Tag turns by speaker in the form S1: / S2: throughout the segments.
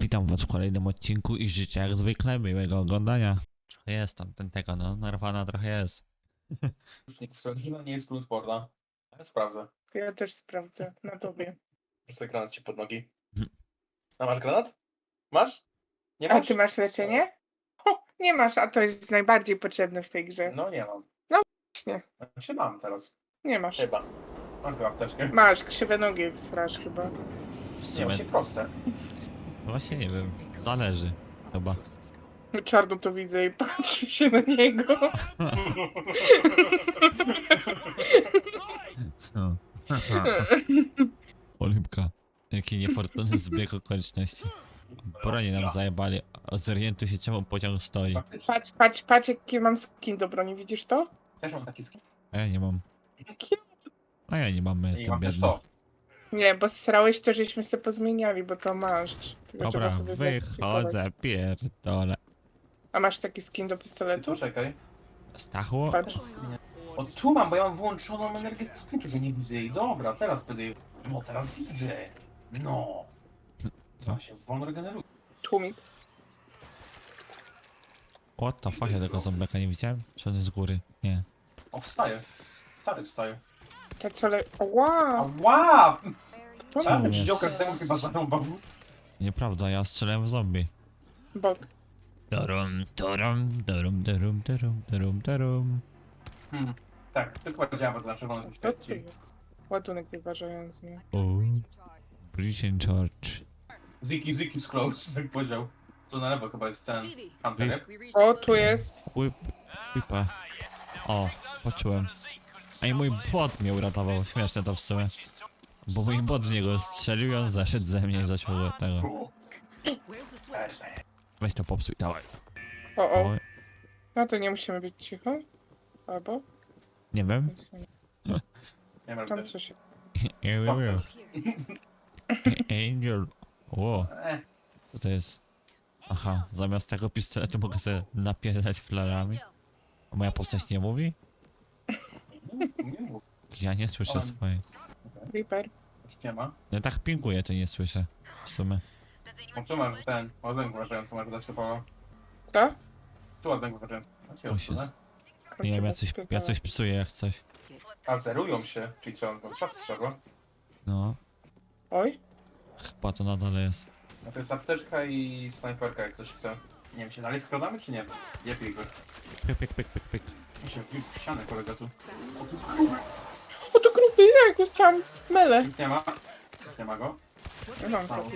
S1: Witam was w kolejnym odcinku i życzę jak zwykle miłego oglądania. Trochę jest tam tego, no, narwana trochę jest.
S2: Rusznik wsadzina nie jest glutporna. Ja sprawdzę.
S3: Ja też sprawdzę na tobie.
S2: Rzucę granat ci pod nogi.
S1: Mhm.
S2: A masz granat? Masz? Nie
S3: A
S2: masz?
S3: ty masz leczenie? O, nie masz, a to jest najbardziej potrzebne w tej grze.
S2: No nie mam.
S3: Właśnie,
S2: Znaczy mam teraz.
S3: nie masz.
S2: Chyba. Mam chyba apteczkę.
S3: Masz, krzywe nogi wsrasz chyba.
S1: W
S2: Nie,
S1: sumie,
S2: właśnie proste.
S1: właśnie nie wiem, zależy chyba.
S3: Czarno to widzę i patrzy się na niego.
S1: No. Olipka, jaki niefortunny zbieg okoliczności. Poranie nam zajebali, a zorientuj się czemu pociąg stoi.
S2: Faktycznie.
S3: Patrz, jaki mam skin do broni, widzisz to?
S2: Też mam taki skin.
S1: A ja nie mam.
S3: Jaki-
S1: A ja nie mam, ja
S2: I
S1: jestem
S2: mam też
S1: biedny.
S2: to.
S3: Nie, bo srałeś to, żeśmy się pozmieniali, bo to masz. Tylko
S1: Dobra,
S3: trzeba sobie
S1: wychodzę, pierdolę.
S3: A masz taki skin do pistoletu?
S2: Poczekaj.
S1: Stachło?
S3: Patrz.
S2: O tu mam, bo ja mam włączoną energię z sprintu, że nie widzę jej. Dobra, teraz będę jej... No teraz widzę. No.
S1: Co?
S2: Co się wolno regeneruje.
S3: Tłumik.
S1: What the fuck, ja tego zombiaka nie widziałem? Czy on jest z góry? Nie.
S2: O, wstaje. Stary wstaje.
S3: Te co le... O, wow!
S2: Ała!
S3: To
S1: Co?
S3: na
S2: Ale
S1: jest?
S2: Joker temu chyba zarąbał.
S1: Nieprawda, ja strzelałem w zombie.
S3: bok.
S1: Darum, darum, darum, darum, darum, darum, darum.
S2: Tak, tylko działa na czerwono
S3: To tu
S2: świeci.
S3: jest. Ładunek wyważający mnie.
S1: O, Britain Church.
S2: Ziki Scrolls, jak powiedział. To na lewo chyba jest ten Hunter.
S3: O, tu jest.
S1: Whipa. O, poczułem. A i mój bot mnie uratował, śmieszne to w sumie. Bo mój bot w niego strzelił i on zaszedł ze mnie i zaczął tego. Weź to popsuj, dawaj.
S3: O.
S1: O,
S3: No to nie musimy być cicho. Albo?
S1: nie wiem.
S3: Nic nie.
S2: Nie wiem,
S3: Tam coś.
S1: Angel. O,
S2: E,
S1: co to jest? Aha, zamiast tego pistoletu mogę sobie napierdać flarami. A moja postać nie mówi?
S2: nie mów,
S1: Ja nie słyszę swojej.
S3: Reaper.
S2: już nie ma.
S1: No tak pinguję, to nie słyszę. W sumie.
S2: O, tu masz ten, ładunek wyważający, masz dać szybko.
S3: Co?
S2: Tu ładunek wyważający.
S1: O, się Nie wiem, ja coś psuję jak coś.
S2: A zerują się, czyli trzeba, no czas trzeba.
S1: No,
S3: Oj.
S1: chyba to na dole jest.
S2: No to jest apteczka i snajperka, jak ktoś chce. Nie wiem, się dalej skradamy, czy nie? Nie pijmy.
S1: Pyk, pyk, pyk, pyk, pyk.
S2: Mi się wbił w ścianę kolega tu.
S3: O, to grupy, ja go chciałam smele.
S2: Nikt nie ma. Już nie ma go.
S3: Mam taki.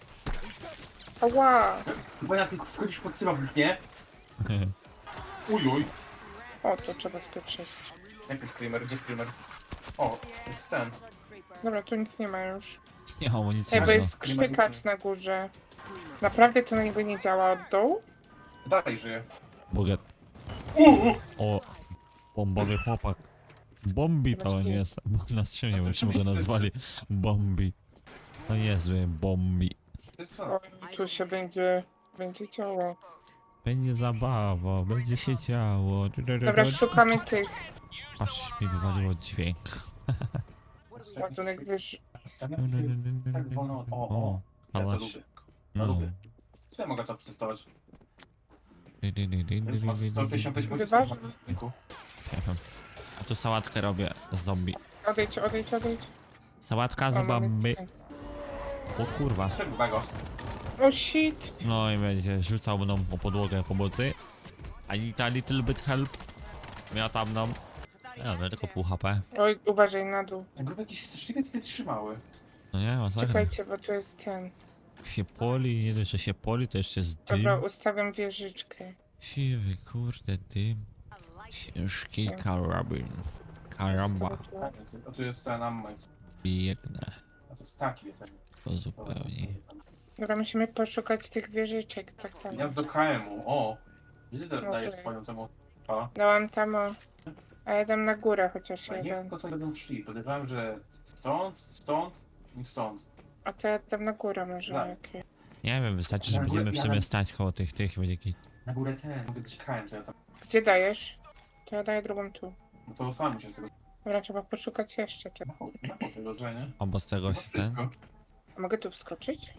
S3: Ała.
S2: Chyba jak tylko wchodzisz pod cyrownik, nie? Ujuj.
S3: O, to trzeba spieprzyć.
S2: Jaki screamer? Gdzie screamer? O, jest ten.
S3: Dobra, tu nic nie ma już.
S1: Nie mam amunicji.
S3: Ej, bo
S1: no.
S3: jest krzykacz na górze. Naprawdę to niby nie działa od dołu?
S2: Dalej żyje.
S1: Buget. O, bombowy chłopak. Bombi to on jest. Bo na skrzynie byśmy go nazwali. Bombi. To niezły Bombi.
S2: To jest co?
S3: O, tu się będzie działo.
S1: Będzie zabawa, będzie się działo.
S3: Dobra, szukamy tych.
S1: Aż mi wywaliło dźwięk.
S3: Ładunek wyż...
S2: Tak wolno. O. Ja to
S1: hałaś.
S2: lubię.
S1: No.
S2: lubię. Co ja mogę to przetestować? Już ma 165
S3: Wyważ-
S2: punktów.
S1: Nie wiem. A tu sałatkę robię z zombie.
S3: Odejdź.
S1: Sałatka
S3: O,
S1: z
S3: mamy
S1: bomby.
S3: tutaj.
S1: O kurwa.
S2: Trzeba go.
S3: O, shit.
S1: No i będzie rzucał mną o podłogę pomocy. I need a little bit help. Miatam nam. Ja tylko pół HP.
S3: Oj, uważaj na dół.
S2: Ten grup jakiś straszliwiec wytrzymały.
S1: No nie, masakra.
S3: Czekajcie, bo tu jest ten.
S1: Się poli, nie dość, że się poli, to jeszcze jest dym.
S3: Dobra, ustawiam wieżyczkę.
S1: Siwy, kurde, dym. Ciężki karabin. Karamba.
S2: Tak, a tu jest ten ammo.
S1: Biegnę.
S2: A to jest taki. Ten.
S1: To zupełnie.
S3: Dobra, musimy poszukać tych wieżyczek. Tak.
S2: Gniazdo KM-u. O. Gdzie ty
S3: No
S2: dajesz
S3: tak.
S2: swoją temu? A.
S3: Dałam tam o... A jeden na górę chociaż
S2: Nie
S3: jeden.
S2: tylko to będą szli. Podejrzewałem, że stąd i stąd.
S3: A to ja tam na górę może
S2: Tak.
S3: jakie.
S1: Nie wiem, wystarczy, że
S2: Na górę-
S1: będziemy w
S2: ja
S1: sumie
S2: na-
S1: stać koło tych będzie jakiś...
S2: Na górę ten. Mogę być KM, to ja tam.
S3: Gdzie dajesz? To ja daję drugą tu.
S2: No to sam muszę z tego.
S3: Dobra, trzeba poszukać jeszcze.
S2: Na tego, że nie?
S1: Obok tego
S2: Chyba
S1: się ten...
S2: wszystko.
S3: A mogę tu wskoczyć?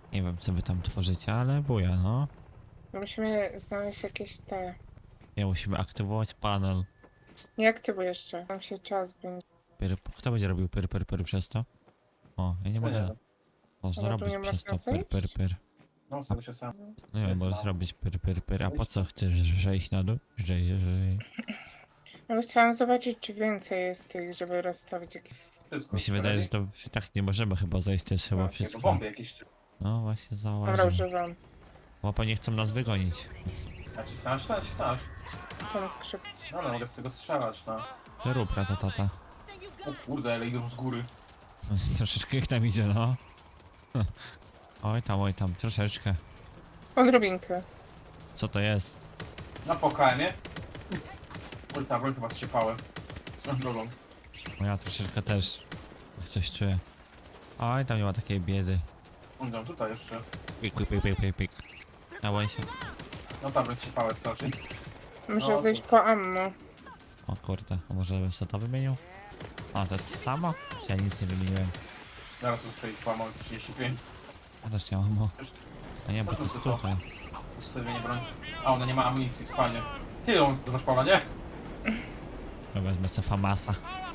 S1: Nie wiem, co wy tam tworzycie, ale buja, no.
S3: Musimy znaleźć jakieś te...
S1: Nie, musimy aktywować panel.
S3: Nie aktywuj jeszcze. Tam się czas będzie.
S1: Kto będzie robił pyr przez to? O, ja nie
S2: Nie,
S1: mogę.
S2: nie.
S1: Można
S3: Ale tu
S1: robić
S3: nie
S1: przez to
S3: można
S1: pyr.
S2: No, sobie się sam.
S1: No nie, możesz robić pyr. A po co chcesz zejść na dół? Żej.
S3: Ale chciałam zobaczyć, czy więcej jest tych, żeby rozstawić jakieś...
S2: Wszystko.
S1: Mi się wydaje, że to tak nie możemy chyba zejść, to jest chyba
S3: No,
S2: To
S1: wszystko.
S2: bomby jakieś.
S1: No właśnie
S3: Dobra,
S1: zauważyłem.
S3: używam.
S1: Łapa nie chcą nas wygonić.
S2: A ci znasz? To ci znasz.
S3: Tą skrzyp...
S2: No, no, mogę z tego strzelać, no.
S1: To rób tata.
S2: O kurde, ale idą z góry.
S1: Troszeczkę ich tam idzie, no. Oj tam, troszeczkę.
S3: Odrobinkę.
S1: Co to jest?
S2: Na PKM-ie. Oj, ta broń chyba zciepałem. Swoją drogą.
S1: No ja troszeczkę też coś czuję. Oj, tam nie ma takiej biedy.
S2: Idą tutaj jeszcze.
S1: Pik. Dawaj się.
S2: No ta broń zciepałem strasznie.
S3: Muszę
S2: No,
S3: wyjść
S2: to-
S3: po ammo.
S1: O kurde, a może bym sobie to wymienił? A, to jest to samo? Czy ja nic nie wymieniłem?
S2: Zaraz tu strzelić połamał 35.
S1: Ja też nie mam. A nie, bo to jest tutaj.
S2: Ustawienie broń. A ona nie ma amunicji, fajnie. Ty ją zaszpala, nie?
S1: Ja wezmę se Famasa.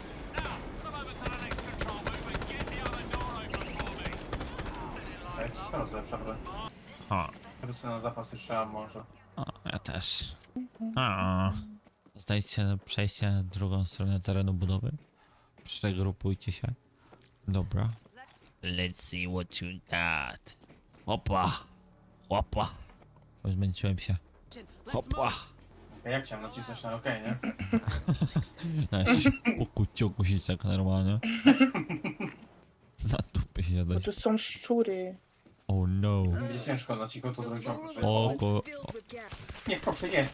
S2: To jest coraz lepsza broń.
S1: O,
S2: Żeby sobie na zapas jeszcze a może.
S1: ja też. O. Znajdźcie przejście na drugą stronę terenu budowy. Przegrupujcie się. Dobra. Let's see what you got. Hopa. Bo zmęczyłem się. Hopa.
S2: Jak chciałem nacisnąć na OK, nie?
S1: Puku ciuku się tak normalnie. Na dupy się
S3: Bo
S1: dać.
S3: tu są szczury.
S1: Oh no.
S2: Będzie ciężko na cicho to zrobić oprócz.
S1: Oko.
S2: Nie, proszę, nie.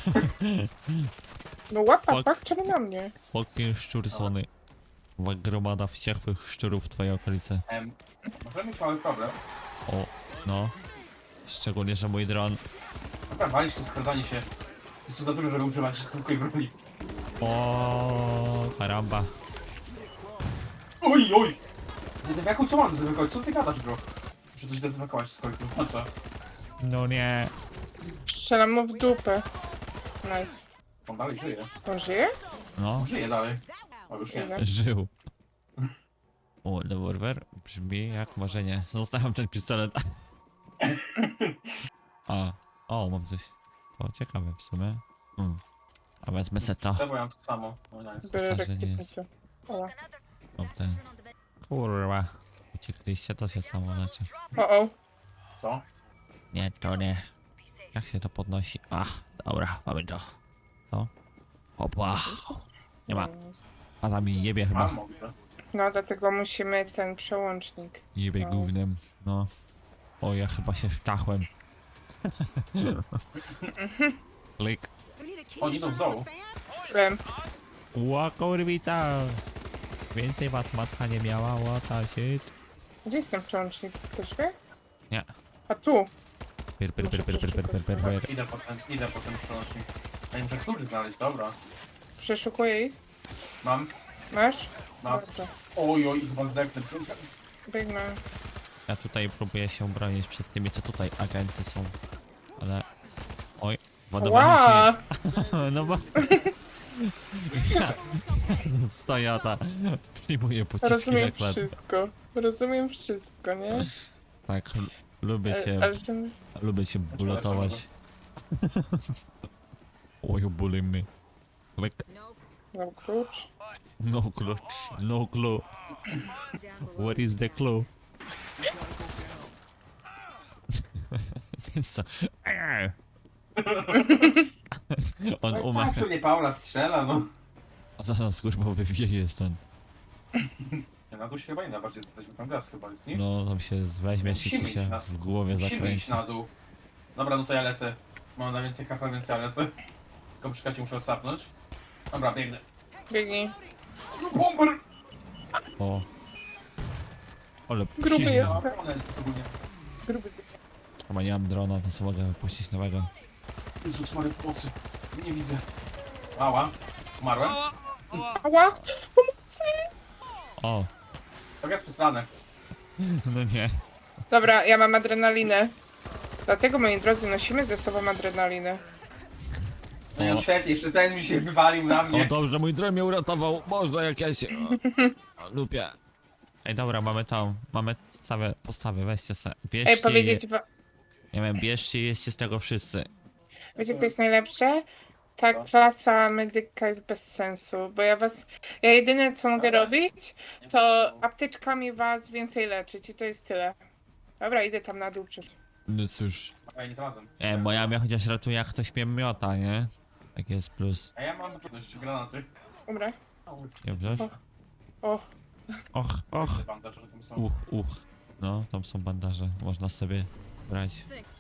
S3: No łapa,
S1: Fuck.
S3: pak, czemu na mnie?
S1: Fucking szczur sony. Gromada wściekłych szczurów w twojej okolicy.
S2: Możemy mieć mały problem.
S1: O, no. Szczególnie, że mój dron.
S2: Dobra, walisz to skradanie się. Jest tu za dużo, żeby używać zwykłej broni.
S1: O, karamba.
S2: Oj! Dezynfekuj, co mam dezynfekować? Co ty gadasz, bro? Muszę coś dezynfekować, cokolwiek to oznacza.
S1: No nie.
S3: Strzelam mu w dupę. Nice.
S2: On dalej żyje.
S3: On żyje?
S1: No,
S2: Żyje dalej. O, już nie.
S3: Ile?
S1: żył. O, rewolwer brzmi jak marzenie. Zostawiam ten pistolet. A, o, mam coś. To ciekawe w sumie. A wezmę se to.
S2: Bo ja mam to samo. No, nice.
S3: Biorę
S1: Myślę, że nie jest.
S3: rakietnicę. O,
S1: Mam ten. Kurwa. Uciekliście, to się samo leczy.
S3: o.
S2: To?
S1: Nie, to nie. Jak się to podnosi? Dobra, mamy to. Co? Hopa. Nie ma. A tam mi jebie chyba.
S2: Mam, mogę.
S3: No dlatego musimy ten przełącznik.
S1: Jebie
S3: No.
S1: gównem. No. O, ja chyba się wtachłem. Klik.
S2: Oni idą z dołu.
S3: Wiem.
S1: Ła, kurwica. Więcej was matka nie miała, łata shit.
S3: Gdzie jest ten przełącznik? Ktoś wie?
S1: Nie.
S3: A tu.
S1: Pyr.
S2: Idę po ten przełącznik. Ja muszę kluczy znaleźć, dobra.
S3: Przeszukuję ich.
S2: Mam.
S3: Masz?
S2: Mam.
S3: Dobrze.
S2: Oj, chyba zdechnę.
S3: Biegnę.
S1: Ja tutaj próbuję się bronić przed tymi, co tutaj agenty są. Ale... Oj, ładowałem
S3: Ła!
S1: cię. No bo... Ja... Stojata. Przyjmuję pociski
S3: Rozumiem
S1: reklam.
S3: wszystko. Rozumiem wszystko, nie?
S1: Tak, lubię się...
S3: Ale że...
S1: Lubię się bulotować. Oj, bully me. Klik.
S3: Mam klucz.
S1: No clue. No clue. What is the clue? Co? On umarł.
S2: Zawsze mnie Paula strzela, no.
S1: A zaraz kurwa wywieje stąd.
S2: Nie, na dół się chyba nie da, bardziej jesteśmy tam gaz chyba jest, nie?
S1: No tam się weźmie ci
S2: Musimy
S1: się
S2: iść na-
S1: w głowie
S2: Musimy
S1: zakręci.
S2: iść na dół. Dobra, no to ja lecę. Mam na więcej HP, więc ja lecę. Tylko przy kacie muszę osapnąć. Dobra, biegnę.
S3: Biegnij.
S2: No, bomber!
S1: O. Ale
S3: Gruby
S1: silny.
S3: jest.
S2: No, one ogólnie.
S3: Gruby.
S1: Chyba nie mam drona, to sobie mogę wypuścić nowego.
S2: Jezus Maria, pomocy. Nie widzę. Mała. Umarłem?
S3: Ała! Pomocy!
S1: O.
S2: Tak jak przestanę.
S1: No nie.
S3: Dobra, ja mam adrenalinę. Dlatego, moi drodzy, nosimy ze sobą adrenalinę.
S2: No i świetnie, jeszcze ten mi się wywalił na
S1: O
S2: mnie.
S1: dobrze, mój dron mnie uratował. Można jak ja się... lubię. Ej, dobra, mamy całe postawy, weźcie se. Bierzcie
S3: Ej, powiedzieć
S1: je.
S3: wam...
S1: Nie wiem, bierzcie i jeźdźcie z tego wszyscy.
S3: Wiecie, co jest najlepsze? Ta klasa medyka jest bez sensu, bo ja jedyne co mogę robić, to apteczkami was więcej leczyć i to jest tyle. Dobra, idę tam na dół przecież.
S1: No cóż.
S2: A ja nie znalazłem.
S1: Moja mnie chociaż ratuje, jak ktoś mnie miota, nie? Tak jest plus.
S2: A ja mam trudności granaty.
S3: Umrę.
S1: Dobrze?
S3: O,
S1: Och.
S2: Bandaże, że tam są.
S1: No, tam są bandaże, można sobie brać.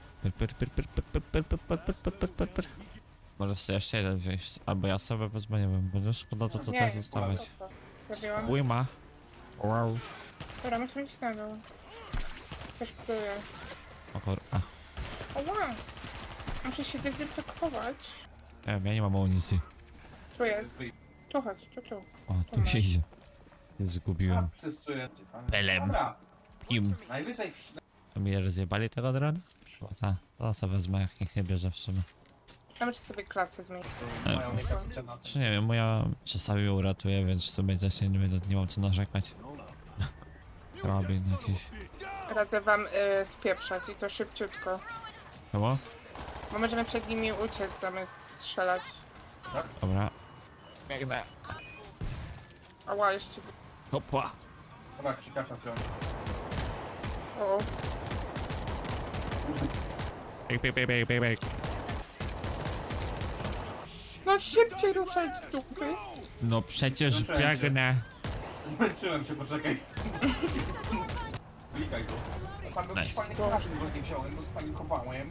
S1: Pyr. Możesz sobie jeszcze jeden wziąć, albo ja sobie wezmę, nie wiem, bo szkoda to tutaj zostawiać.
S3: Zrobiłam.
S1: Skójma. Wow.
S3: Dobra, musimy iść na dół. Też próbuję.
S1: O kurwa.
S3: Oła! Muszę się dezynfekować.
S1: Nie wiem, ja nie mam amunicji.
S3: Tu jest. Tu chodź, tu.
S1: O, tu się idzie. Się zgubiłem.
S2: Przestuję.
S1: Pelem.
S2: Dobra,
S1: Kim?
S2: najwyżej
S1: To mi rozjebali tego drona? Bo to sobie wezmę, jak nikt nie bierze w sumie.
S3: Ja muszę sobie klasę zmienić.
S2: mają granaty.
S1: Czy nie wiem, moja czasami ją uratuje, więc w sumie też nie mam co narzekać. Karabin jakiś.
S3: Radzę wam spieprzać i to szybciutko.
S1: Chyba?
S3: Bo możemy przed nimi uciec zamiast strzelać.
S1: Dobra. Biegnę.
S3: Ała, jeszcze...
S1: Hopła.
S2: Dobra, ciekawe wziąłem.
S3: O,
S1: Bieg.
S3: no szybciej ruszać z dupy.
S1: No przecież
S2: Zmęczyłem się.
S1: biegnę.
S2: Zmęczyłem się, poczekaj. Klikaj go. Pan był jakiś
S1: Nice.
S2: fajny karabin, bo nie wziąłem, bo spanikowałem.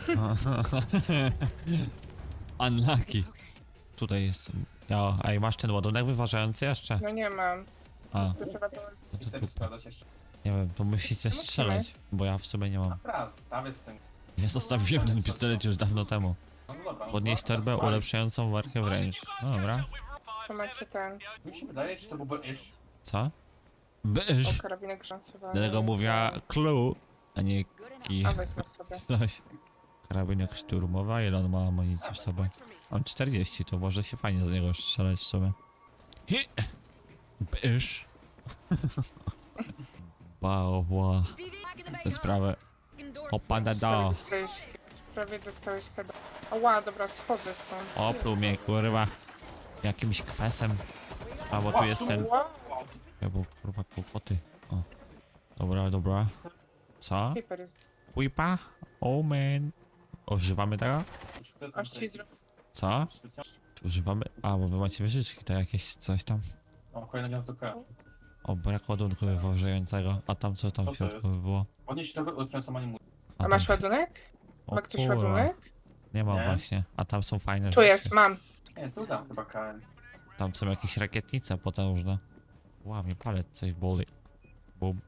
S1: Unlucky. Tutaj jest. Ja, ej, masz ten ładunek wyważający jeszcze?
S3: No nie mam.
S1: A,
S3: To trzeba było...
S1: no to
S2: Chcę
S1: tu.
S2: sprawdzać jeszcze.
S1: Nie wiem, to musicie
S3: musimy.
S1: strzelać, bo ja w sumie nie mam.
S2: Dobra, stawię z tym.
S1: Ja zostawiłem ten pistolet już dawno temu.
S2: No dobra. no
S1: Podnieść
S2: dobra,
S1: torbę
S2: sprawdź.
S1: ulepszającą markę wręcz. No dobra.
S3: To macie ten...
S2: Mi się wydaje, że to byłby iż.
S1: Co? Byż!
S3: O, karabinek grzącowy.
S1: Dlatego mówiła clue, a nie ki.
S3: A wezmę sobie.
S1: Coś. Karabinek szturmowy, a ile on ma amunicji w sobie? Mam 40, to może się fajnie z niego strzelać w sumie. Hi! Byż! Bała. Tę sprawę. Opada do.
S3: Prawie dostałeś heada. Ała, dobra, schodzę stąd.
S1: Opluł mnie, kurwa. Jakimś kwesem. A, bo tu jest ten.
S3: Wow,
S1: Ja, bo kurwa kłopoty. O. Dobra. Co?
S3: paper jest.
S1: Whipa? Oh man. Używamy tego?
S2: Chcę
S3: Aż ci zrobię.
S1: Co?
S2: specjalnie.
S1: Używamy. A, bo wy macie wyżyczki, to jakieś coś tam.
S2: O, kolejne gniazdo K.
S1: O, brak ładunku wywożającego. A tam co tam
S2: Co
S1: w
S2: to
S1: środku
S2: jest?
S1: by było?
S2: Podnieść to ulepszającą animuję.
S3: A masz
S1: tam-
S3: ładunek?
S1: O
S3: Ma ktoś
S1: kurwa.
S3: ładunek?
S1: Nie mam
S2: Nie.
S1: właśnie. A tam są fajne
S3: Tu
S1: rzeczy.
S3: jest, mam.
S2: Nie, tu dam chyba KM.
S1: Tam są jakieś rakietnice potężne. Łamie palec, coś boli. Bum.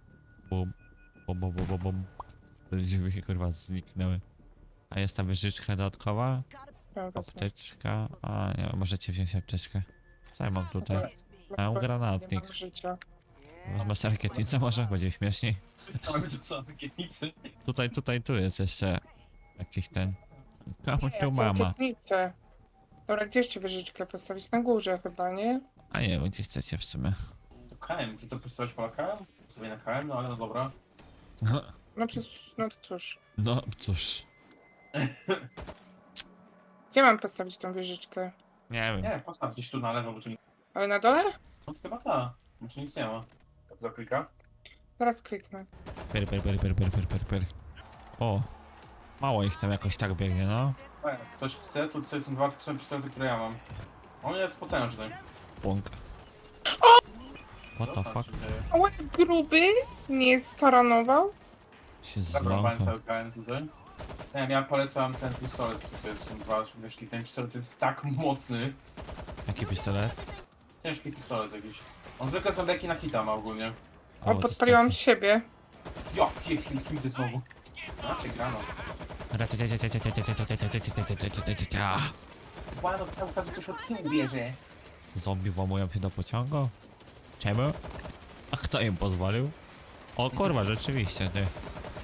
S1: Te drzwi kurwa zniknęły. A jest ta wyżyczka dodatkowa?
S3: Mam wezmę.
S1: Apteczka. A nie, możecie wziąć apteczkę. Co ja mam tutaj?
S3: Mam
S1: Mam granatnik.
S3: Nie mam życia.
S1: Wezmę sobie rakietnicę może? Będzie śmieszniej.
S2: Same tu są rakietnicy.
S1: Tu jest jeszcze jakiś ten. Komu
S3: Nie,
S1: tu
S3: są
S1: mama?
S3: rakietnice. Dobra, gdzie jeszcze wyżyczkę postawić? Na górze chyba, nie?
S1: A nie wiem, gdzie chcecie w sumie.
S2: To KM, ty to postawić po KM? Postawię na KM, no ale no dobra.
S3: No przecież, no cóż.
S1: No cóż.
S3: Gdzie mam postawić tą wieżyczkę?
S1: Nie wiem.
S2: Nie, postaw gdzieś tu na lewo, bo tu nie...
S3: Ale na dole?
S2: No, chyba ta. No tu nic nie ma. To klika.
S3: Zaraz kliknę.
S1: Per. O. Mało ich tam jakoś tak biegnie, no.
S2: Ktoś chce, tu tutaj są dwa takie same pistolety, które ja mam. On jest potężny.
S1: Błąka. What the fuck?
S3: O, gruby nie staranował.
S1: Się
S2: Zabrałem
S1: zląkał.
S2: cały KM tutaj. Nie wiem, ja polecam ten pistolet, co to jest, są dwa wieszki. Ten pistolet jest tak mocny.
S1: Jaki pistolet?
S2: Ciężki pistolet jakiś. On zwykle są leki na hita ma ogólnie.
S3: O,
S1: to jest
S3: podpaliłam
S1: taki-
S3: siebie.
S2: Ja, pieprzny, kim ty znowu? Znaczy grano. Łano cały czas coś od tyłu bierze.
S1: Zombie włamują się do pociągu? Czemu? A kto im pozwolił? O kurwa, rzeczywiście, ty.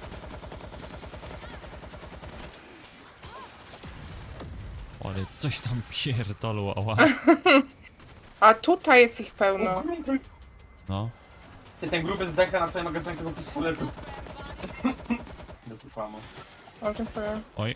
S1: Ale coś tam pierdolło, ała.
S3: A tutaj jest ich
S2: O,
S3: pełno.
S2: gruby.
S1: No.
S2: Ty, ten gruby zdechł na cały magazyn tego pistoletu. Dosypamy.
S3: O, dziękuję.
S1: Oj.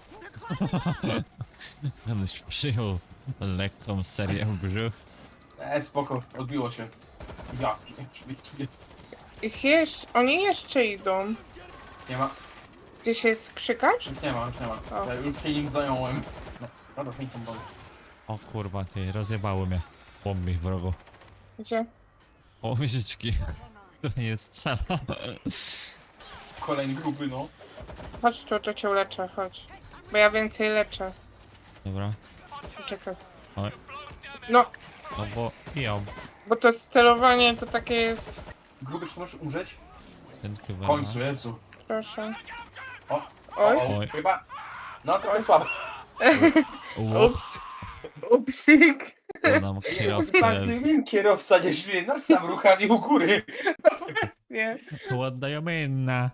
S1: Kiedyś przyjął lekką serię w brzuch.
S2: Spoko, odbiło się. Ja, człowiek tu jest.
S3: Oni jeszcze idą.
S2: Nie ma,
S3: Gdzieś jest krzykacz?
S2: już nie ma.
S3: O.
S2: Ja już się nim zająłem. No, dobra, nie tam
S1: O kurwa, ty, rozjebały mnie. Bombi wrogo.
S3: Gdzie?
S1: O, łyżyczki, która nie strzela.
S2: Kolejny gruby, no.
S3: Chodź tu, to cię uleczę, chodź. Bo ja więcej leczę.
S1: Dobra.
S3: Czekaj.
S1: Oj.
S3: No,
S1: No bo ja
S3: bo to sterowanie to takie jest...
S2: Gruby, czy możesz umrzeć?
S1: ten
S2: W końcu, Jezu.
S3: Proszę.
S2: O,
S3: Oj.
S1: Oj.
S2: chyba. No, trochę słabo.
S1: Ups.
S3: Upsik.
S1: Znam kierowcę.
S2: Każdy win kierowca nie żyje, nas tam ruchami u góry.
S3: Nie.
S1: Ładna minna.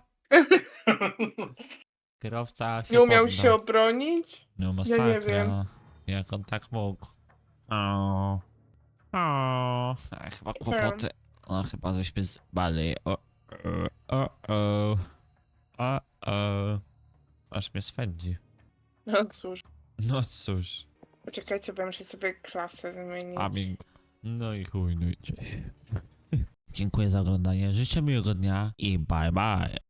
S1: Kierowca się
S3: Nie umiał
S1: poddał.
S3: się obronić?
S1: No
S3: Ja
S1: masakra.
S3: nie wiem.
S1: Jak on tak mógł? O. Chyba kłopoty. No chyba żeśmy zbali. O. Aż mnie swędzi.
S3: No cóż.
S1: No cóż.
S3: Poczekajcie, bo muszę sobie klasę zmienić.
S1: Spamming. No i chuj, no i cześć. Dziękuję za oglądanie. Życzę miłego dnia i bye bye.